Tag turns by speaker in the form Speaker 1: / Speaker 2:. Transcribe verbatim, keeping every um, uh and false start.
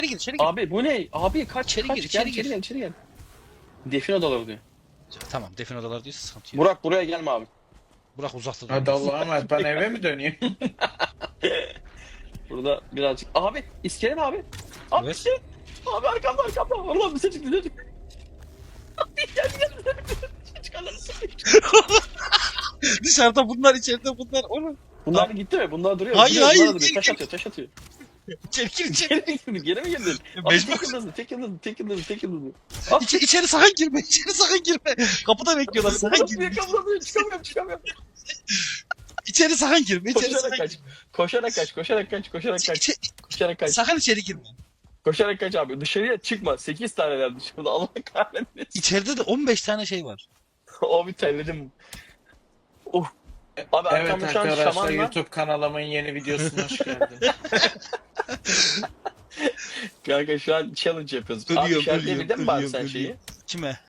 Speaker 1: gir, içeri gir.
Speaker 2: Abi bu ne? Abi kaç
Speaker 1: İçeri
Speaker 2: kaç
Speaker 1: gir,
Speaker 2: gel,
Speaker 1: içeri
Speaker 2: içeri
Speaker 1: gir.
Speaker 2: gel içeri gel. Defin odaları diyor.
Speaker 1: Tamam, defin odaları diyorsa sıkıntı yok.
Speaker 2: Burak buraya gelme abi.
Speaker 1: Burak uzakta dur.
Speaker 3: Hadi Allah'a emanet, ben eve mi döneyim?
Speaker 2: Burada birazcık. Abi iskelet abi. Abi
Speaker 1: Evet.
Speaker 2: iskelet. Abi arkamda arkamda. Allah bize çıktı bize çıktı. Abi gel gel bize çıktı. Çıkarlar.
Speaker 1: Dışarıda bunlar, içeride bunlar. Oğlum.
Speaker 2: Bunlar gitti mi? Bunlar duruyor.
Speaker 1: Hayır,
Speaker 2: Bunlar
Speaker 1: hayır,
Speaker 2: duruyor.
Speaker 1: değil,
Speaker 2: Taş
Speaker 1: değil.
Speaker 2: atıyor taş atıyor.
Speaker 1: İçeri gir, içeri.
Speaker 2: Geri mi girdin? Geri mi girdin? Abi
Speaker 1: Mecbur.
Speaker 2: tek yıldızlı tek yıldızlı tek yıldızlı tek yıldızlı. Abi
Speaker 1: İçeri, içeri sakın girme, içeri sakın girme. Kapıda bekliyorlar, sakın girme.
Speaker 2: Yakalamıyorum çıkamıyorum çıkamıyorum.
Speaker 1: İçeri sakın girme, içeri
Speaker 2: Koşarak
Speaker 1: sakın
Speaker 2: kaç.
Speaker 1: girme.
Speaker 2: Koşarak kaç koşarak kaç koşarak kaç.
Speaker 1: İçeri,
Speaker 2: Koşarak kaç.
Speaker 1: sakın içeri girme.
Speaker 2: Koşarak kaç abi. Dışarıya çıkma. sekiz taneler dışarıda. Allah kahretmesin.
Speaker 1: İçeride de on beş tane şey var.
Speaker 2: Abi terledim. Oh. Abi
Speaker 3: Evet
Speaker 2: arkamda şu an
Speaker 3: arkadaşlar,
Speaker 2: şaman var.
Speaker 3: YouTube kanalımın yeni videosuna hoş geldin.
Speaker 2: Kanka şu an challenge yapıyoruz.
Speaker 1: Bölüyor,
Speaker 2: abi işaretleyebildin
Speaker 1: bölüyor,
Speaker 2: mi abi
Speaker 1: bölüyor,
Speaker 2: sen
Speaker 1: bölüyor.
Speaker 2: şeyi?
Speaker 1: Kime?